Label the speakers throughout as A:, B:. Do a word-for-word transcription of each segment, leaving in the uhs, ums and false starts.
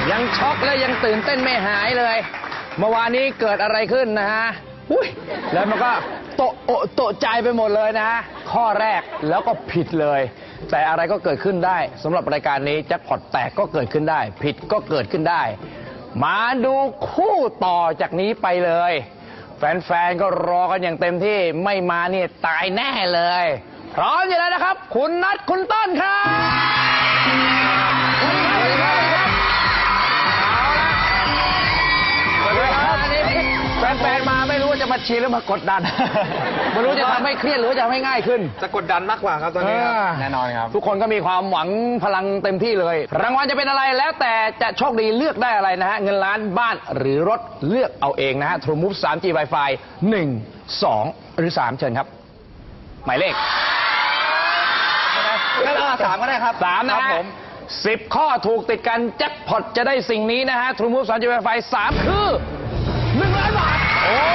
A: ยังช็อกและยังตื่นเต้นไม่หายเลยเมื่อวานนี้เกิดอะไรขึ้นนะฮะอุ้ยแล้วมันก็โตโอโตใจไปหมดเลยนะฮะข้อแรกแล้วก็ผิดเลยแต่อะไรก็เกิดขึ้นได้สำหรับรายการนี้แจ็คพอตแตกก็เกิดขึ้นได้ผิดก็เกิดขึ้นได้มาดูคู่ต่อจากนี้ไปเลยแฟนๆก็รอกันอย่างเต็มที่ไม่มาเนี่ยตายแน่เลยพร้อมอยู่แล้วนะครับคุณนัทคุณต้นครับแฟนๆมาไม่รู้ว่าจะมาเชียร์หรือมากดดันไม่รู้จะทำให้เครียดหรือจะทำให้ง่ายขึ้น
B: จะกดดันมากกว่าครับตอนนี้แน่นอนครับ
A: ทุกคนก็มีความหวังพลังเต็มที่เลยรางวัลจะเป็นอะไรแล้วแต่จะโชคดีเลือกได้อะไรนะฮะเงินล้านบ้านหรือรถเลือกเอาเองนะฮะ True Move ทรีจี Wi-Fi หนึ่ง สองหรือสามเชิญครับหมายเลข
B: งั้นเอาสามก็ได้ครับ
A: สามนะฮะสิบข้อถูกติดกันแจ็คพอตจะได้สิ่งนี้นะฮะ True Move ทรีจี Wi-Fi สามคือหนึ่งล้านบาทโอ้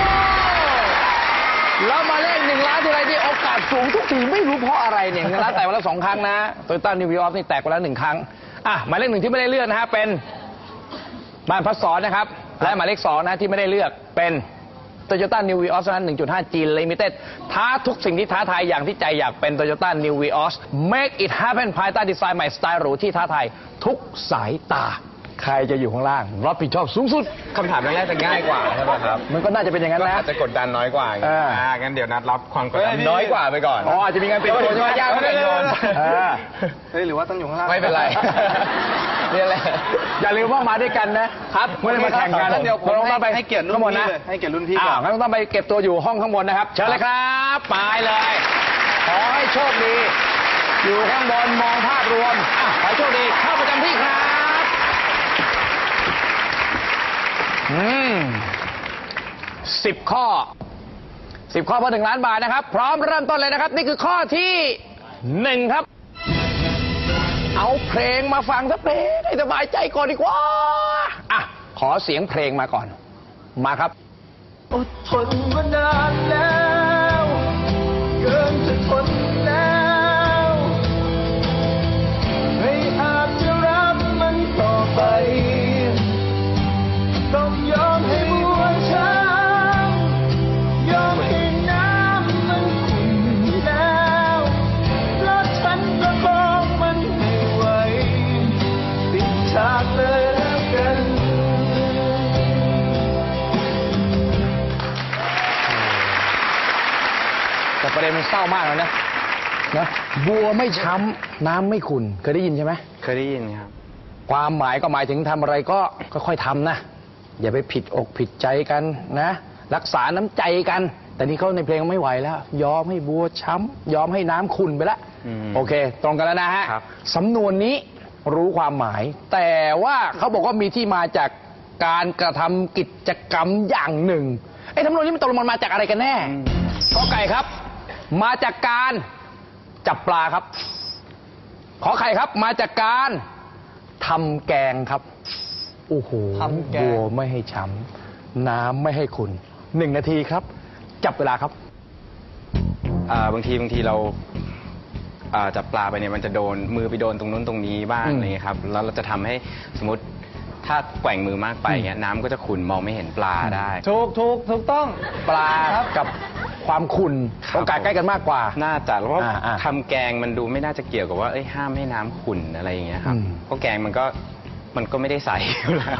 A: แล้วมาเลขหนึ่งล้านทีไรที่โอกาสสูงทุกทีไม่รู้เพราะอะไรเนี่ยเงินล้านแตกไปแล้วสองครั้งนะโตโยต้านิววีออฟนี่แตกไปแล้วหนึ่งครั้งอ่ะหมายเลขหนึ่งที่ไม่ได้เลือกนะฮะเป็นบ้านพัสสอนนะครับและหมายเลขสองนะที่ไม่ได้เลือกเป็นโตโยต้านิววีออสนั้น หนึ่งจุดห้า G Limited ท้าทุกสิ่งที่ท้าทายอย่างที่ใจอยากเป็นโตโยต้านิววีออส Make it happen ภายใต้ดีไซน์ใหม่สไตล์หรูที่ท้าทายทุกสายตาใครจะอยู่ข้างล่างรับผิดชอบสูงสุด
B: คำถามแรกจะง่ายกว่าใช่ไหมครับ
A: มันก็น่าจะเป็นอย่างนั้นนะ
B: อาจจะกดดันน้อยกว่าอ่างั้นเดี๋ยวนัดรับความกดดันน้อยกว่าไปก่อน
A: อ๋ออาจจะมีงานเป็นตัวช่วยยากไม่ได้โยน
B: เฮ้ยหรือว่าต้องอยู่ข้างล่าง
A: ไม่เป็นไรนี่แหละอย่าลืมว่ามาด้วยกันนะครับไม่ได้มาแข่งกัน
B: เดี๋ยวผมต้องไปให้เกียรติรุ่นพี่เลยให้เกียรติรุ่นพี่ก่อน
A: งั้นต้องไปเก็บตัวอยู่ห้องข้างบนนะครับเชิญเลยครับไปเลยขอให้โชคดีอยู่ข้างบนมองภาพรวมขอโชคดีเข้าประจำที่ครับอืมสิบข้อสิบข้อเพื่อหนึ่งล้านบาทนะครับพร้อมเริ่มต้นเลยนะครับนี่คือข้อที่หนึ่งครับเอาเพลงมาฟังสักเพลงให้สบายใจก่อนดีกว่าอ่ะขอเสียงเพลงมาก่อนมาครับ
C: อดทนมานานแล้วเกินจะทนแล้วไม่อาจจะรับมันต่อไปต้องยอมให้บัวช้ำยอมให้น้ำมันขุ่นแล้วเพราะฉันประคองมันไม่ไหวปิดฉากเลยแล้วกัน
A: แต่ประเด็นมันเศร้ามากเลยนะนะบัวไม่ช้ำน้ำไม่ขุ่นเคยได้ยินใช่ไหม
B: เคยได้ยินครับ
A: ความหมายก็หมายถึงทำอะไรก็ค่อยๆทำนะอย่าไปผิดอกผิดใจกันนะรักษาน้ำใจกันแต่นี่เขาในเพลงไม่ไหวแล้วยอมให้บัวช้ำยอมให้น้ำขุ่นไปแล้วโอเคตรงกันแล้วนะฮะสำนวนนี้รู้ความหมายแต่ว่าเขาบอกว่ามีที่มาจากการกระทำกิจกรรมอย่างหนึ่งไอ้สำนวนนี้มันตกลงมันมาจากอะไรกันแน่ขอไก่ครับมาจากการจับปลาครับขอไข่ครับมาจากการทำแกงครับโอ้โหบัวไม่ให้ช้ำน้ำไม่ให้ขุ่นหนึ่งนาทีครับจับเวลาครับ
B: บางทีบางทีเราจับปลาไปเนี่ยมันจะโดนมือไปโดนตรงนู้นตรงนี้บ้างอะไรเงี้ยครับแล้วเราจะทำให้สมมติถ้าแกว่งมือมากไปเงี้ยน้ำก็จะขุ่นมองไม่เห็นปลาได้
A: ถูกถูกถูกต้องปลากับความขุ่นโอกาสใกล้กันมากกว่า
B: น่าจะเพราะทำแกงมันดูไม่น่าจะเกี่ยวกับว่าห้ามให้น้ำขุ่นอะไรอย่างเงี้ยครับเพราะแกงมันก็มันก็ไม่ได้ใส่อยู่แล้ว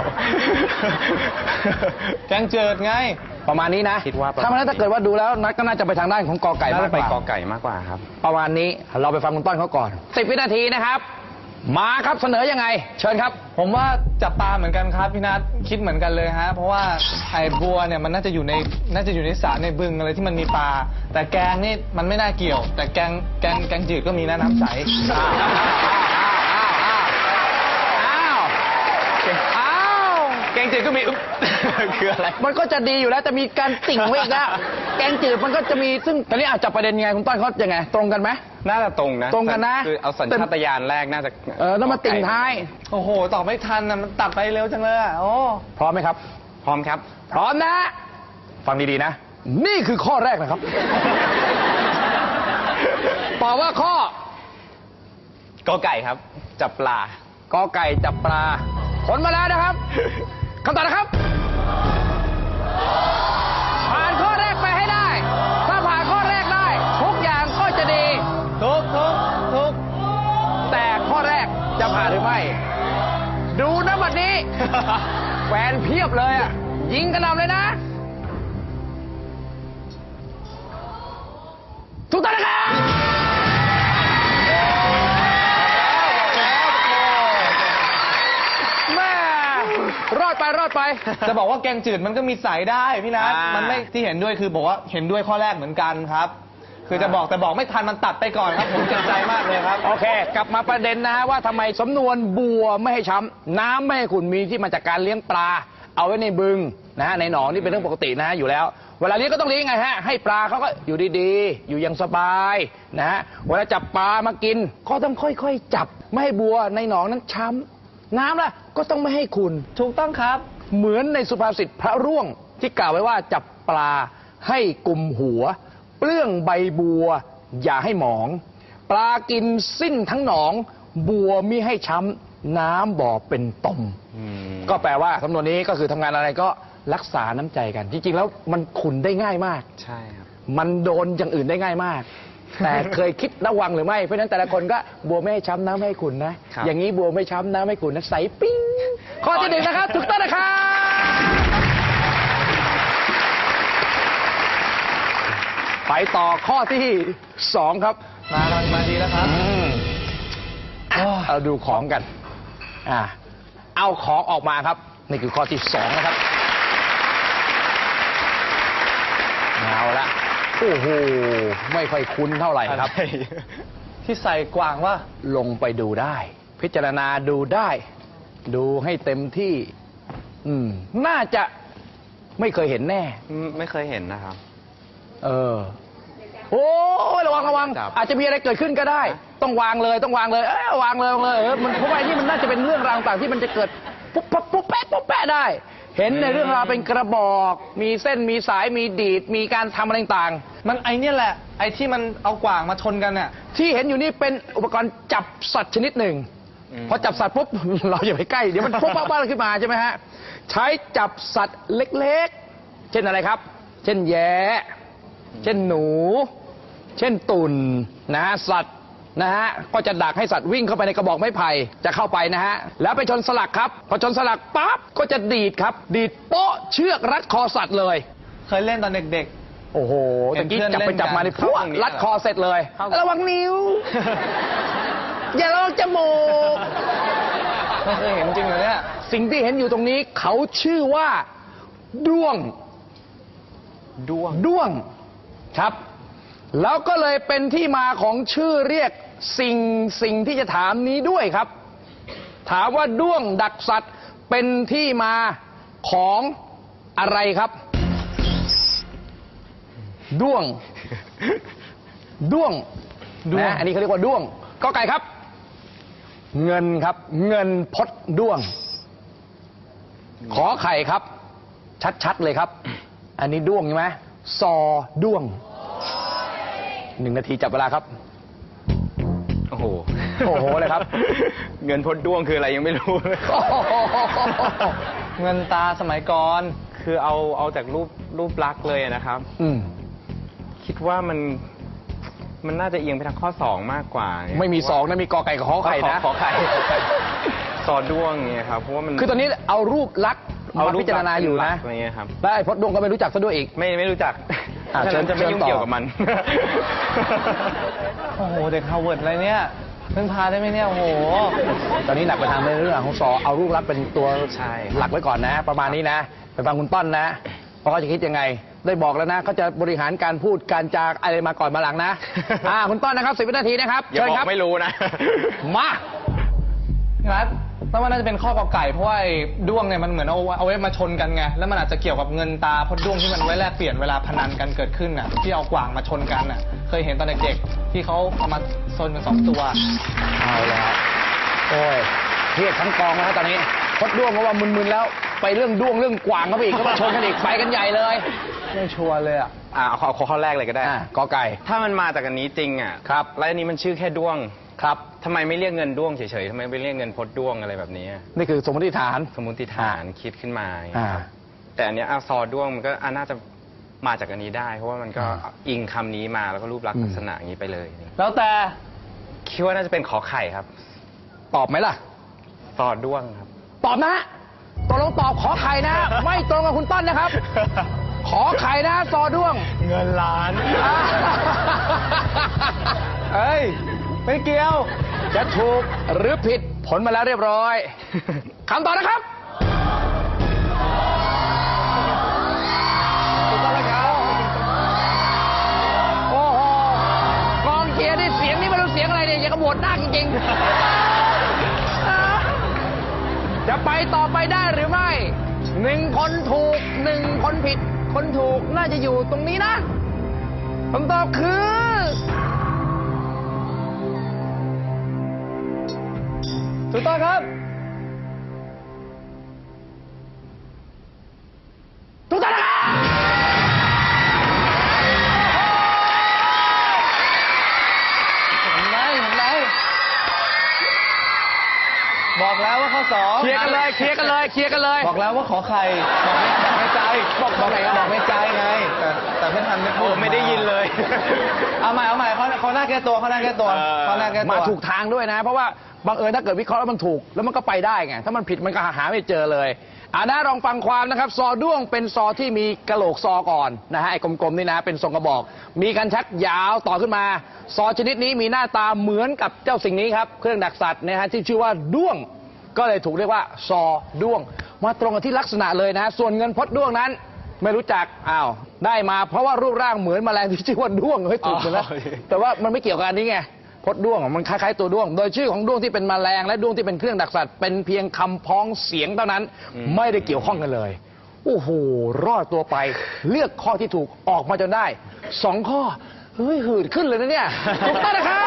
A: แกงเจิดไงประมาณนี้นะ
B: คิดว่า
A: ถ้ามันถ้าเกิดว่าดูแล้วนัดก็น่าจะไปทางด้านของกอไก่มากกว่า
B: ไปกอไก่มากกว่าครับ
A: ประมาณนี้เราไปฟังคุณต้นเขาก่อนสิบวินาทีนะครับมาครับเสนอยังไงเชิญครับ
D: ผมว่าจับปลาเหมือนกันครับพี่นัทคิดเหมือนกันเลยฮะเพราะว่าไอ้บัวเนี่ยมันน่าจะอยู่ในน่าจะอยู่ในสระในบึงอะไรที่มันมีปลาแต่แกงนี่มันไม่น่าเกี่ยวแต่แกงแกงแกงจืดก็มีนะน้ำใส
A: แกงจืดก็มีคืออะไรมันก็จะดีอยู่แล้วจะมีการติ่งไว้อีกแล้วแกงจืดมันก็จะมีซึ่งตอนนี้อาจจะประเด็นยังไงคุณต้นเขายังไงตรงกันไหม
B: น่าจะตรงนะ
A: ตรงกันนะ
B: คือเอาสัญชาตญาณแรกน่าจะ
A: เออต้องมาติ่งท้าย
D: โอ้โหตอบไม่ทันนะมันตัดไปเร็วจังเลยอ่ะโอ้
A: พร้อมไหมครับ
B: พร้อมครับ
A: พร้อมนะฟังดีๆนะนี่คือข้อแรกนะครับตอบว่าข้อก
B: อไก่ครับจับปลา
A: กอไก่จับปลาผลมาแล้วนะครับคำตอบนะครับ ผ่านข้อแรกไปให้ได้ ถ้าผ่านข้อแรกได้ ทุกอย่างก็จะดี
D: ทุกทุกทุก
A: แต่ข้อแรกจะผ่านหรือไม่ ดูนะบัดนี้ แฟนเพียบเลยอ่ะ ยิงกระหน่ำเลยนะ ทุกท่านนะครับแม่รอดไปรอดไป
D: จะบอกว่าแกงจืดมันก็มีใสได้พี่นัท
B: อ่ามั
D: มันไม่ที่เห็นด้วยคือบอกว่าเห็นด้วยข้อแรกเหมือนกันครับ คือจะบอกแต่บอกไม่ทันมันตัดไปก่อนครับผมเจ็บใจมากเลยครับ
A: โอเค กลับมาประเด็นนะฮะว่าทำไมสำนวนบัวไม่ให้ช้ำน้ำไม่ให้ขุ่นมีที่มาจากการเลี้ยงปลา เอาไว้ในบึงนะฮะในหนองนี่เป็นเรื่องปกตินะฮะอยู่แล้ว เวลาเลี้ยงก็ต้องเลี้ยงไงฮะให้ปลาเขาก็อยู่ดีๆ อยู่อย่างสบายนะฮะเวลาจับปลามากิน ก็ต้องค่อยๆจับไม่ให้บัวในหนองนั้นช้ำน้ำล่ะก็ต้องไม่ให้ขุ่น
D: ถูกต้องครับ
A: เหมือนในสุภาษิตพระร่วงที่กล่าวไว้ว่าจับปลาให้กุมหัว เปลื้องใบบัว อย่าให้หมอง ปลากินสิ้นทั้งหนอง บัวมิให้ช้ำน้ำบ่อเป็นตม
B: อืม
A: ก็แปลว่าสำนวนนี้ก็คือทำงานอะไรก็รักษาน้ำใจกัน จริงๆแล้วมันขุนได้ง่ายมาก
B: ใช่ครับ
A: มันโดนอย่างอื่นได้ง่ายมาก แต่เคยคิดระวังหรือไม่ เพราะฉะนั้นแต่ละคนก็บัวไม่ให้ช้ำน้ำไม่ให้ขุนนะ
B: ครับ
A: อย่างนี้บัวไม่ช้ำน้ำไม่ขุนนะใสปิ้งข้อที่หนึ่งนะครับถูกต้องนะครับไปต่อข้อที่สองครับ
D: มามามาดีแล้วครับ
A: อืมเอาดูของกัน อ่า เอาของออกมาครับ นี่คือข้อที่สองนะครับ เอาละ โอ้โห ไม่ค่อยคุ้นเท่าไหร่ครับ
D: ที่ใส่กว่างว่า
A: ลงไปดูได้ พิจารณาดูได้ ดูให้เต็มที่ อืม น่าจะไม่เคยเห็นแน่
B: ไม่เคยเห็นนะครับ
A: เออ โอ้ยระวังระวัง
B: จับ
A: อาจจะมีอะไรเกิดขึ้นก็ได้ ต้องวางเลยต้องวางเลย เอ้ยวางเลยวางเลยเออมันเพราะว่าไอ้นี่มันน่าจะเป็นเรื่องราวต่างๆที่มันจะเกิดปุ๊บปั๊บปุ๊บแป๊ะปุ๊บแป๊ะได้ เห็นในเรื่องราวเป็นกระบอก มีเส้นมีสายมีดีด มีการทำอะไรต่าง
D: มันไอเนี่ยแหละ ไอที่มันเอากว่างมาชนกันเนี่ย
A: ๆที่เห็นอยู่นี่เป็นอุปกรณ์จับสัตว์ชนิดหนึ่ง
B: อืม
A: พอจับสัตว์ปุ๊บ เราอย่าไปใกล้เดี๋ยวมันปุ๊บปั๊บปั๊บขึ้นมาใช่ไหมฮะใช้จับสัตว์เล็กๆ เช่นอะไรครับ เช่นแย้เช่นหนู เช่นตุ่นนะฮะสัตว์นะฮะก็จะดักให้สัตว์วิ่งเข้าไปในกระบอกไม้ไผ่จะเข้าไปนะฮะแล้วไปชนสลักครับพอชนสลักปั๊บก็จะดีดครับ ดีดโป๊ะเชือกรัดคอสัตว์เลย
D: เคยเล่นตอนเด็ก
A: โอ้โห
D: เห็
A: ตะ
D: น
A: กี้
D: เพื่อน
A: จับไป
D: เล่นกัน
A: จับมาในพวกรัดคอเสร็จเลย ระวังนิ้ว อย่าลองจมูก
D: ๆไม่เคยเห็นจริงเหรอเนี่ย
A: สิ่งที่เห็นอยู่ตรงนี้เขาชื่อว่าด้วง
B: ด้วง
A: ด้วงครับ แล้วก็เลยเป็นที่มาของชื่อเรียกสิ่งสิ่งที่จะถามนี้ด้วยครับ ถามว่าด้วงดักสัตว์เป็นที่มาของอะไรครับ ด้วง ด้วง
D: ด้วง
A: นะอันนี้เขาเรียกว่าด้วงก็ไก่ครับ เงินครับ เงินพดด้วง ขอไข่ครับ ชัดๆเลยครับ อันนี้ด้วงใช่ไหมซอด้วงหนึ่งนาทีจับเวลาครับ
B: โอ้โห
A: โอ้โหเลยครับ
B: เงินพดด้วงคืออะไรยังไม่รู้เลย
A: โอ้โห
D: เงินตาสมัยก่อน
B: คือเอาเอาจากรูปรูปลักษณ์เลยนะครับ
A: อืม
B: คิดว่ามันมันน่าจะเอียงไปทางข้อสองมากกว่าเนี่ย
A: ไม่มีสองนะมีกอไก่กับขอไข่นะ
B: ขอไข่ขอไข่ซอด้วงเนี่ยครับเพราะว่ามัน
A: คือตอนนี้เอารูปลักษณ์มาพิจารณาอยู่นะ
B: อะไรเงี้ยครับ
A: แล้วไอ้พดด้วงก็ไม่รู้จักซะด้วยอีก
B: ไม่ไม่รู้จัก
A: อ่ะ
B: ฉะนั้นจะไม่
A: เชิญ
B: ยุ่ง
A: ต่อ
B: เกี่ยวกับมัน
D: โอ้โห เด็กฮาร์วาร์ดอะไรเนี่ยเพิ่งพาได้ไหมเนี่ย โอ้โห
A: ตอนนี้หนักไปทางเรื่องของสอเอารูปลักษณ์เป็นตัว
B: ใช่
A: หลักไว้ก่อนนะ ประมาณนี้นะ ไปฟังคุณต้นนะเพราะเขาจะคิดยังไง ได้บอกแล้วนะเขาจะบริหารการพูดการจาอะไรมาก่อนมาหลังนะ อ่าคุณต้นนะครับสิบวินาทีนะครับ
B: อย่า
A: เชิญ
B: บอ
A: ครับ
B: กไม่รู้นะ
A: มา
D: พี่นัทแล้วมันน่าจะเป็นข้อกอไก่เพราะว่าไอ้ด้วงเนี่ยมันเหมือนเอาเอาไว้มาชนกันไง แล้วมันอาจจะเกี่ยวกับเงินตาเพราะด้วงที่มันไว้แลกเปลี่ยนเวลาพนันกันเกิดขึ้นน่ะ ที่เอากว่างมาชนกันน่ะ เคยเห็นตอนเด็กๆที่เขาเอามาชนกันสองตัว
A: เอาแล้วโอ้ยเครียดทั้งกองแล้วตอนนี้พดด้วงเพราะว่ามึนๆแล้ว ไปเรื่องด้วงเรื่องกวางเขาไปอีกก็มาชนกันอีกไปกันใหญ่เลย
D: ไม่ชัวร์เลยอ่ะ
B: อ่าเอาข้อข้อแรกเลยก็ได้
A: อ่ะกอไก่
B: ถ้ามันมาจากอันนี้จริงอ่ะ
A: ครับ
B: แล้วอันนี้มันชื่อแค่ด้วง
A: ครับ
B: ทำไมไม่เรียกเงินด้วงเฉยๆทำไมไม่เรียกเงินพดด้วงอะไรแบบนี้
A: นี่คือสมมติฐาน
B: สมมติฐานคิดขึ้นมาอย่าง
A: อ่า
B: เงี้ยครับแต่อันเนี้ยอาซอด้วงมันก็อ่ะน่าจะมาจากอันนี้ได้ เพราะว่ามันก็
A: อ่า
B: อิงคำนี้มาแล้วก็รูปลักษ
A: อื
B: ณ์
A: ม
B: ลักษณะอย่างนี้ไปเลย
D: แล้วแต่
B: คิดว่าน่าจะเป็นขอไข่ครับ
A: ตอบไหมล่ะ
B: ซอด้วงครับ
A: ตอบนะตกลงตอบขอไข่นะ ไม่ตรงกับคุณต้นนะครับ ขอไข่นะซอด้วง
D: เงินล้าน เอ้ย ไม่เกี่ยว
A: จะถูกหรือผิดผลมาแล้วเรียบร้อย คำตอบนะครับถูกต้องแล้วครับโอ้โหกองเชียร์นี่เสียงนี่ไม่รู้เสียงอะไรเนี่ยอย่างกับโหวตหน้าจริงๆ จะไปต่อไปได้หรือไม่หนึ่งคนถูกหนึ่งคนผิด คนถูกน่าจะอยู่ตรงนี้นะคำตอบคือ
D: ถูกต้องครับ
A: ถูกต้องนะครับ
D: เห็นไหมเห็นไหมบอกแล้วว่าข้อสอง
A: เคลียร์กันเลยเคลียร์กันเลยเคลียร์กันเลย
D: บอกแล้วว่าขอไข่บอกไม่บอกไม่ใจ
A: บอกบอกไหนครับ
D: บอกไม่ใจไง แต่แต่ไม่ทันไม่พูด
B: โอ้ไม่ได้ยินเลย
D: เอาใหม่เอาใหม่เขาเขาหน้าแก้ตัวเขาหน้าแก้ตัว
B: เออ
D: เขาหน้าแก้ตัว
A: มาถูกทางด้วยนะ เพราะว่าบังเอิญถ้าเกิดวิเคราะห์แล้วมันถูก แล้วมันก็ไปได้ไง ถ้ามันผิดมันก็หาไม่เจอเลยอ่านะลองฟังความนะครับ ซอด้วงเป็นซอที่มีกะโหลกซอก่อนนะฮะไอ้กลมๆนี่นะเป็นทรงกระบอก มีกันชักยาวต่อขึ้นมา ซอชนิดนี้มีหน้าตาเหมือนกับเจ้าสิ่งนี้ครับเครื่องดักสัตว์นะฮะที่ชื่อว่าด้วง ก็เลยถูกเรียกว่าซอด้วง มาตรงกับที่ลักษณะเลยนะฮะส่วนเงินพดด้วงนั้น ไม่รู้จักอ้าวได้มาเพราะว่ารูปร่างเหมือนแมลงที่ชื่อว่าด้วงเฮ้ยถูกเลยนะ
B: อ๋อ
A: แต่ว่ามันไม่เกี่ยวกับอันนี้ไงพดด้วงอ่ะมันคล้ายๆตัวด้วง โดยชื่อของด้วงที่เป็นแมลงและด้วงที่เป็นเครื่องดักสัตว์เป็นเพียงคำพ้องเสียงเท่านั้น ไม่ได้เกี่ยวข้องกันเลยโอ้โหรอดตัวไปเลือกข้อที่ถูกออกมาจนได้สองข้อเฮ้ยหืดขึ้นเลยนะเนี่ยถูกต้องนะครับ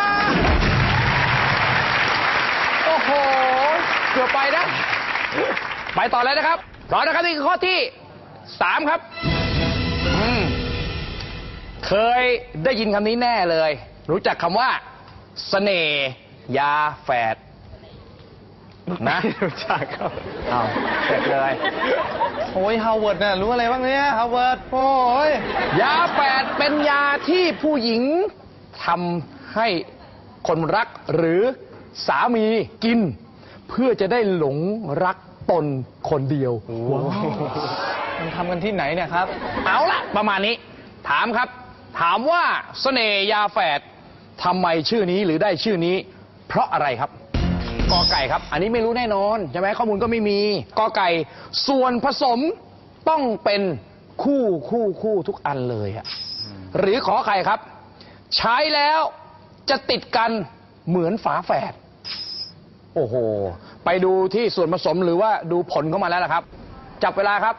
A: โอ้โหเกือบไปนะไปต่อเลยนะครับต่อนะครับนี่คือข้อที่สามครับอืมเคยได้ยินคำนี้แน่เลย รู้จักคำว่าเสน่ห์ยาแฝดนะ
B: รู้จักครับ
A: เอาเสร็จเลย
D: โอ้ยฮาวเวิร์ดเนี่ยรู้อะไรบ้างเนี่ยฮาวเวิร์ดโอ้ย
A: ยาแฝดเป็นยาที่ผู้หญิงทำให้คนรักหรือสามีกิน เพื่อจะได้หลงรักตนคนเดียวว้าว
D: มันทำกันที่ไหนเนี่ยครับ
A: เอาละประมาณนี้ ถามครับ ถามว่าเสน่ห์ยาแฝดทำไมชื่อนี้หรือได้ชื่อนี้ เพราะอะไรครับกอไก่ครับ อันนี้ไม่รู้แน่นอนใช่ไหมข้อมูลก็ไม่มีกอไก่ ส่วนผสมต้องเป็นคู่คู่คู่ทุกอันเลยอะหรือขอไข่ครับ ใช้แล้วจะติดกันเหมือนฝาแฝดโอ้โห ไปดูที่ส่วนผสมหรือว่าดูผลเข้ามาแล้วนะครับ จับเวลาครับ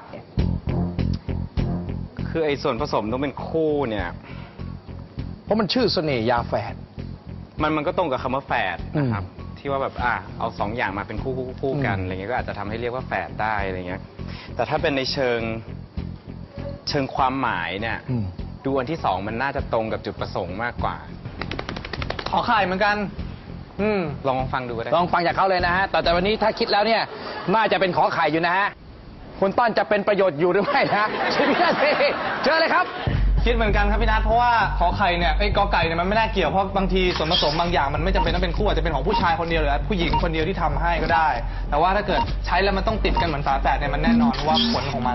B: คือไอ้ส่วนผสมต้องเป็นคู่เนี่ย
A: เพราะมันชื่อเสน่ห์ยาแฝด
B: มันมันก็ตรงกับคำว่าแฝดนะครับ
A: อืม
B: ที่ว่าแบบอ่ะเอาสองอย่างมาเป็นคู่คู่คู่กัน
A: อืม
B: อะไรเงี้ยก็อาจจะทำให้เรียกว่าแฝดได้อะไรเงี้ย แต่ถ้าเป็นในเชิงเชิงความหมายเนี่ย
A: อืม
B: ดูอันที่สองมันน่าจะตรงกับจุดประสงค์มากกว่า
D: ขอไข่เหมือนกัน อืม
B: ลองฟังดูก็ได้
A: ลองฟังจากเขาเลยนะฮะ แต่แต่วันนี้ถ้าคิดแล้วเนี่ย น่าจะเป็นขอไข่อยู่นะฮะ คุณต้นจะเป็นประโยชน์อยู่หรือไม่นะชิพี่นาทีเชิญเลยครับ
D: คิดเหมือนกันครับพี่นัทเพราะว่าขอไข่เนี่ยไอ้กอไก่เนี่ยมันไม่น่าเกี่ยวเพราะบางทีส่วนผสมบางอย่างมันไม่จำเป็นต้องเป็นคู่อาจจะเป็นของผู้ชายคนเดียวหรือผู้หญิงคนเดียวที่ทำให้ก็ได้ แต่ว่าถ้าเกิดใช้แล้วมันต้องติดกันเหมือนฝาแฝดเนี่ยมันแน่นอนเพราะว่าผลของมัน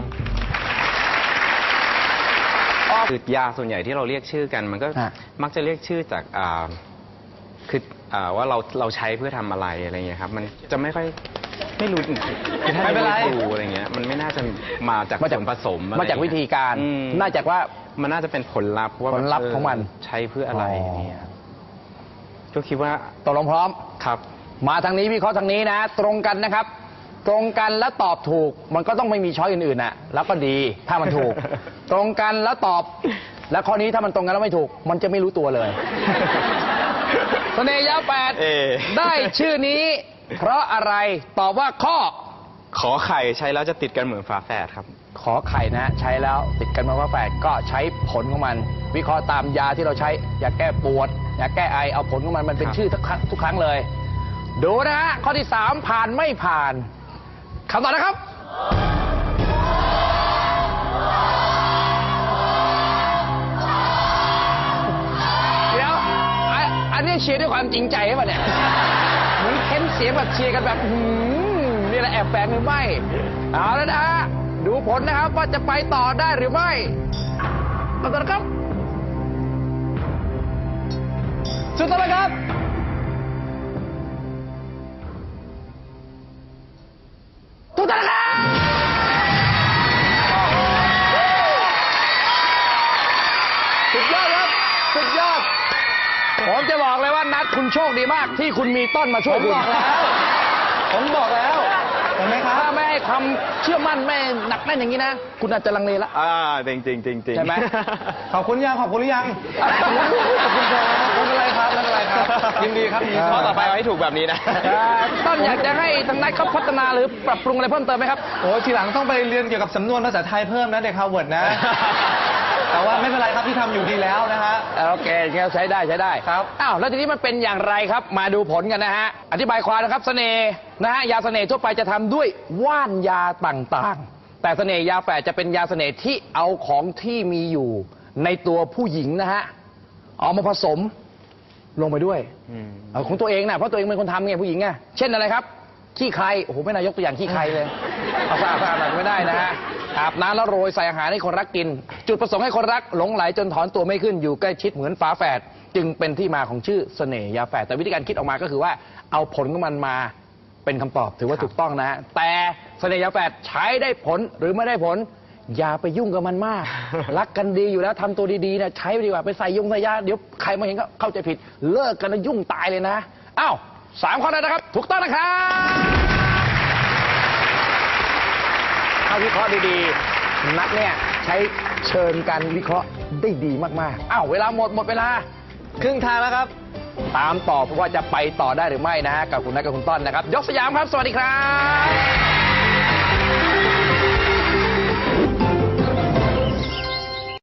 B: คือยาส่วนใหญ่ที่เราเรียกชื่อกัน มันก็
A: ฮะ
B: มักจะเรียกชื่อจากอ่าคืออ่าว่าเราเราใช้เพื่อทำอะไรอะไรเงี้ยครับ มันจะไม่ค่อยไม่รู้คือถ้า
D: ไม่เป็นไร
B: ดูอะไรเงี้ย มันไม่น่าจะมาจาก
A: มาจาก
B: ส่วนผสมอะไร
A: มาจากวิธีการ
B: อืม
A: น่าจากว่า
B: มันน่าจะเป็นผลลัพธ์ว่า
A: ผลลัพธ์
B: แบบ
A: ของมัน
B: ใช้เพื่ออะไร
A: อ๋ออ
B: อย่างเงี้ยก็คิดว่า
A: ตกลงพร้อม
B: ครับ
A: มาทางนี้วิเคราะห์ทางนี้นะ ตรงกันนะครับ ตรงกันแล้วตอบถูก มันก็ต้องไม่มีช้อยอื่นๆน่ะ แล้วก็ดีถ้ามันถูก ตรงกันแล้วตอบ แล้วข้อนี้ถ้ามันตรงกันแล้วไม่ถูก มันจะไม่รู้ตัวเลยเสน่ห์ยาแปด
B: เอ่
A: ได้ชื่อนี้ เพราะอะไรตอบว่าข้อ
B: ขอไข่ใช้แล้วจะติดกันเหมือนฝาแฝดครับ
A: ขอไข่นะ ใช้แล้วติดกันมาว่าแฝดก็ใช้ผลของมันวิเคราะห์ตามยาที่เราใช้ยาแก้ปวดยาแก้ไอเอาผลของมันมันเป็น
B: ครับ
A: ชื่อทุกครั้งทุกครั้งเลย ดูนะฮะข้อที่สามผ่านไม่ผ่านคำตอบนะครับ เดี๋ยวอ่ะอันนี้เชียร์ด้วยความจริงใจใช่ป่ะเนี่ยเหมือนเค้นเสียงแบบเชียร์กันแบบหืมนี่แหละแอบแฝงหรือไม่เอาแล้วนะฮะดูผลนะครับว่าจะไปต่อได้หรือไม่ต่อต่อนะครับสุดท้ายแล้วครับถูกต้องนะครับสุดยอดครับสุดยอดผมจะบอกเลยว่านัดคุณโชคดีมากที่คุณมีต้นมาช่วยคุณ
D: ผมบอกแล้ว ผมบอกแล้วเห็นไหมครับ
A: ถ้าไม่ให้ความเชื่อมั่นไม่หนักแน่นอย่างนี้นะ คุณอาจจะลังเลละ
B: อ่าจริงจริงจริงจริง
A: ใช่ไหม
D: ขอบคุณยังขอบคุณหรือยัง ขอบคุณครับไม่เป็นไรครับไม่เป็นไรครับ ยินดีครับยินดี
B: ข้อต่อไปเอาให้ถูกแบบนี้นะ
A: ต้นอยากจะให้ทางนัดเขาพัฒนาหรือปรับปรุงอะไรเพิ่มเติมไหมครับ
D: โอ้ทีหลังต้องไปเรียนเกี่ยวกับสำนวนภาษาไทยเพิ่มนะเด็กฮาร์วาร์ดนะ แต่ว่าไม่เป็นไรครับที่ทำอยู่ดีแล้วนะฮะ
A: โอเคงั้นใช้ได้ใช้ได้
D: ครับ
A: อ้าวแล้วทีนี้มันเป็นอย่างไรครับ มาดูผลกันนะฮะ อธิบายความนะครับเสน่ห์นะฮะยาเสน่ห์ทั่วไปจะทำด้วยว่านยาต่างๆ แต่เสน่ห์ยาแฝดจะเป็นยาเสน่ห์ที่เอาของที่มีอยู่ในตัวผู้หญิงนะฮะเอามาผสมลงไปด้วย
B: อืม
A: เอาของตัวเองนะเพราะตัวเองเป็นคนทำไงผู้หญิงไงเช่นอะไรครับขี้ใครโอ้โหไม่น่ายกตัวอย่างขี้ใครเลยเอาสะอาดสะอาดหน่อยไม่ได้นะฮะอาบน้ำแล้วโรยใส่อาหารให้คนรักกิน จุดประสงค์ให้คนรักหลงไหลจนถอนตัวไม่ขึ้นอยู่ใกล้ชิดเหมือนฝาแฝดจึงเป็นที่มาของชื่อเสน่ห์ยาแฝดแต่วิธีการคิดออกมาก็คือว่าเอาผลของมันมาเป็นคำตอบถือว่าถูกต้องนะฮะแต่เสน่ห์ยาแฝดใช้ได้ผลหรือไม่ได้ผล อย่าไปยุ่งกับมันมาก รักกันดีอยู่แล้วทำตัวดีๆนะใช้ไปดีกว่าไปใส่ยงใส่ยาเดี๋ยวใครมาเห็นก็เข้าใจผิดเลิกกันแล้วยุ่งตายเลยนะอ้าวสามข้อแล้วนะครับ ถูกต้องนะครับถ้าวิเคราะห์ดีๆนักเนี่ยใช้เชิญการวิเคราะห์ได้ดีมากๆอ้าวเวลาหมดหมดเวลา
D: ครึ่งทางแล้วครับ
A: ตามต่อเพราะว่าจะไปต่อได้หรือไม่นะฮะกับคุณนัทกับคุณต้นนะครับ ยกสยามครับ สวัสดีครับ